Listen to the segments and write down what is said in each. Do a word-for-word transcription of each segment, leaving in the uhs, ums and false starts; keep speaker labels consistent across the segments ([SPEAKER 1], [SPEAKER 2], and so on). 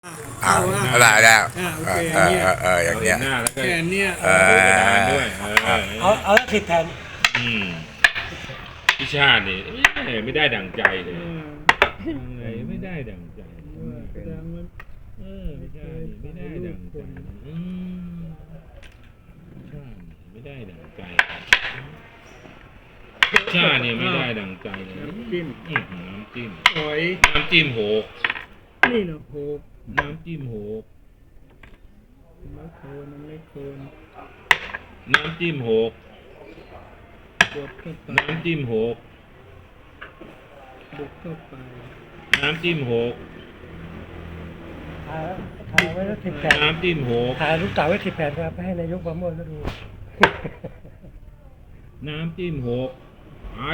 [SPEAKER 1] อ่าได้แล้ว
[SPEAKER 2] อ่าโอ
[SPEAKER 1] เอ
[SPEAKER 2] เค
[SPEAKER 1] อ
[SPEAKER 2] อัน
[SPEAKER 1] เออ
[SPEAKER 2] เนี้ย
[SPEAKER 1] เอออย่างเนี้ย
[SPEAKER 3] หน้าแล้วก็
[SPEAKER 2] แค่เนี้ย
[SPEAKER 1] เออ
[SPEAKER 3] ดูกระดานด้วยเออ
[SPEAKER 4] เอาเอาละสิบแผ่น
[SPEAKER 3] อืมพิชาตินี่ไม่ได้ดั่งใจเลย
[SPEAKER 2] เออ
[SPEAKER 3] อะไรไม่ได้ดั่งใจ
[SPEAKER 2] แสดงว่า
[SPEAKER 3] เออพิชาตินี่ไม่ได้ดั่งใจอืมพิชาติไม่ได้ดั่งใจพิชาตินี่ไม่ได้ดั่งใจเลย
[SPEAKER 2] น้ำจิ้ม
[SPEAKER 3] อืมน้ำจิ้ม
[SPEAKER 2] หอย
[SPEAKER 3] น้ำจิ้มโหก
[SPEAKER 2] นี่นะโหก
[SPEAKER 3] น้ำจิ้มโหก
[SPEAKER 2] น้ำโคนน้ำไม่โคน
[SPEAKER 3] น้ำจิ้มโหก
[SPEAKER 2] บดเข้าไป
[SPEAKER 3] น้ำจิ้มโหก
[SPEAKER 2] บุกเข้าไป
[SPEAKER 3] น้ำจิ้มโหก
[SPEAKER 4] ถ่ายถ่ายไว้ละสิบแผ่น
[SPEAKER 3] น้ำจิ้มโหก
[SPEAKER 4] ถ่ายลูกเต๋าไว้สิบแผ่นครับไปให้นายกประโมทก็ดู
[SPEAKER 3] น้ำจิ้มหกไอ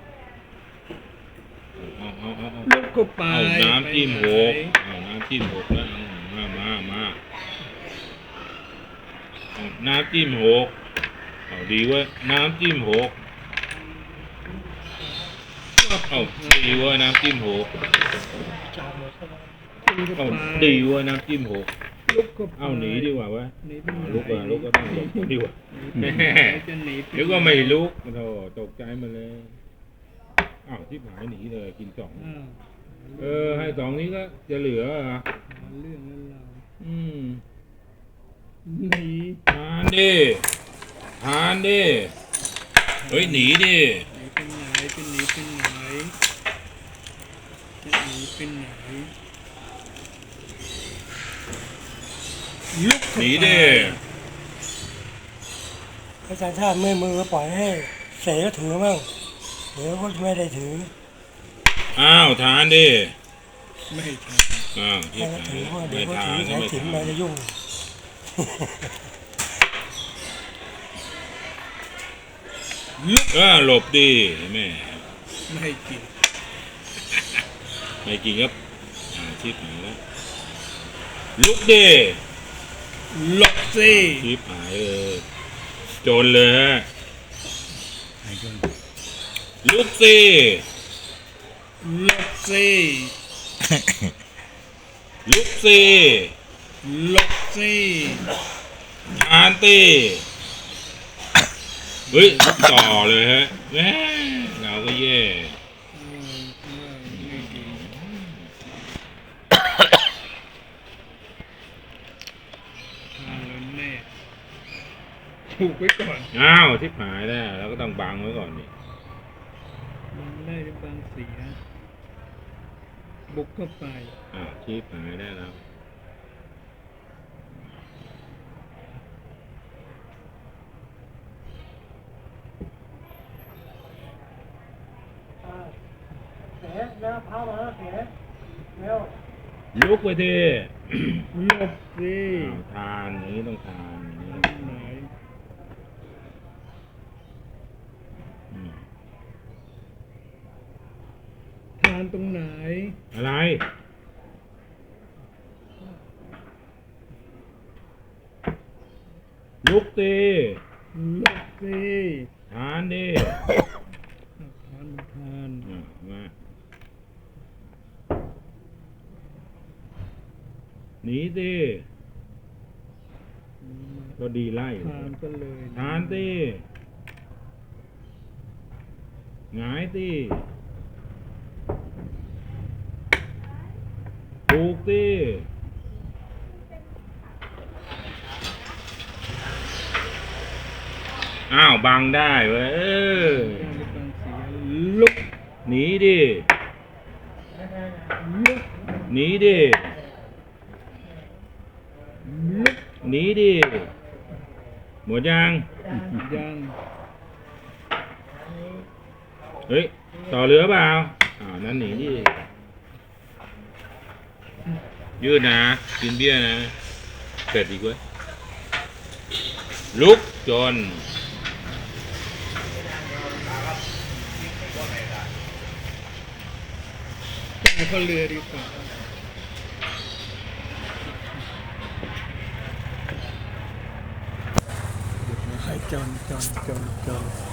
[SPEAKER 3] เอาเอาเอาเอา
[SPEAKER 2] ลุกเข้าไป
[SPEAKER 3] เอาน้ำจิ้มหก
[SPEAKER 2] ไปไหน
[SPEAKER 3] เอาน้ำจิ้มหกแล้วเอามามามาเอาน้ำจิ้มหกเอาดีเว้ยน้ำจิ้มหกเอาดีเว้ยน้ำจิ้มหก
[SPEAKER 4] จามหมดแล้ว
[SPEAKER 2] ลุกเข้า
[SPEAKER 3] เอา
[SPEAKER 2] ไป
[SPEAKER 3] ดีเว้ยน้ำจิ้มหก
[SPEAKER 2] ลุกเข้าไป
[SPEAKER 3] เอาหนีดีกว่าเว้ย
[SPEAKER 2] หนีไป
[SPEAKER 3] เอา
[SPEAKER 2] ไหน
[SPEAKER 3] ลุกอ่ะลุกก็ต้องหลบดีกว่า
[SPEAKER 2] หนี
[SPEAKER 3] แม่
[SPEAKER 2] ไปไหนจะหนีป
[SPEAKER 3] เดี๋ยวก็ไม่ลุกโธ่ตกใจมาเลยอ้าวที่หายหนีเลยกินสอง
[SPEAKER 2] อ้าว
[SPEAKER 3] เออให้สองนี้ก็จะเหลือเหรอ
[SPEAKER 2] หาเรื่องแล้วเรา
[SPEAKER 3] อืม
[SPEAKER 2] หนี
[SPEAKER 3] ทานดิทานดิเฮ้ยหนีดิ
[SPEAKER 2] หนีไปไหนจะหนีไปไหนจะหนีไปไหนลุก
[SPEAKER 3] ห
[SPEAKER 2] เข้า
[SPEAKER 3] นี
[SPEAKER 2] ไป
[SPEAKER 3] ดิ
[SPEAKER 4] อาจารย์ชาติเมื่อยมือก็ปล่อยให้เสก็ถือมั่งเดี๋ยวก็ไม่ได้ถือ
[SPEAKER 3] อ้าวทานดิ
[SPEAKER 2] ไม่ท
[SPEAKER 3] อ้าว
[SPEAKER 4] ให้
[SPEAKER 3] ที่
[SPEAKER 4] ก็
[SPEAKER 3] ไหน
[SPEAKER 4] ถือเพราะเดี๋
[SPEAKER 3] ไม่
[SPEAKER 4] ยวก็
[SPEAKER 3] ทา
[SPEAKER 4] ถื
[SPEAKER 3] น
[SPEAKER 4] อ
[SPEAKER 3] ก็
[SPEAKER 4] สาย
[SPEAKER 3] ไม่
[SPEAKER 4] ถิน
[SPEAKER 3] ทา
[SPEAKER 4] มาน จะยุ่ง
[SPEAKER 2] ำลุก
[SPEAKER 3] เออหลบดิแม่
[SPEAKER 2] ไม่ให้กิน
[SPEAKER 3] ไม่กินครับอ่าชิบหายแล้วลุกดิ
[SPEAKER 2] หลบสิ
[SPEAKER 3] ชิบหายเลยจนเลยฮะลุกสิ
[SPEAKER 2] หลบสิ
[SPEAKER 3] ลุกสิ
[SPEAKER 2] หลบสิ
[SPEAKER 3] ทานติเฮ้ยต่อเลยฮะแม่เราก็แย่
[SPEAKER 2] ไม่ไม่ไม่ดีทานแล้วแน่ถูกไว้ก่อน
[SPEAKER 3] อ้าวทิพหายแล้วเราก็ต้องบังไว้ก่อนดิ
[SPEAKER 2] มันได้บางเสียบุกเข้าไป
[SPEAKER 3] อ้าวทิพหายได้แล้ว
[SPEAKER 4] เสแล้วพามาเสเร็ว
[SPEAKER 3] ลุกไปที
[SPEAKER 2] หลบสิ
[SPEAKER 3] อ้าวทานอย่างนี้ต้องทานอย่างนี้
[SPEAKER 2] ไหน
[SPEAKER 3] อืม
[SPEAKER 2] ทานตรงไหน
[SPEAKER 3] อะไรลุกตี
[SPEAKER 2] หลบสิ
[SPEAKER 3] ทานดิ
[SPEAKER 2] ทานทาน
[SPEAKER 3] อ่ะมาหนีสิก็ดีไล่
[SPEAKER 2] ทานก็เลย
[SPEAKER 3] ทานสิหงายสิปลูกสิอ้าวบังได้เว้ยเออ
[SPEAKER 2] ได้บางเสียลุก
[SPEAKER 3] หนีดิ
[SPEAKER 2] ลุก
[SPEAKER 3] หนีดิ
[SPEAKER 2] ลุก
[SPEAKER 3] หนีดิหมดยัง
[SPEAKER 2] ยัง
[SPEAKER 3] เฮ้ยต่อเรือเปล่าอ่าวนั้นหนีดิยืดนะกินเบี้ยนะเสร็จอีกเว้ยลุกจน
[SPEAKER 2] ไปเข้าเรือดีกว่าให้จอนจอนจอนจอน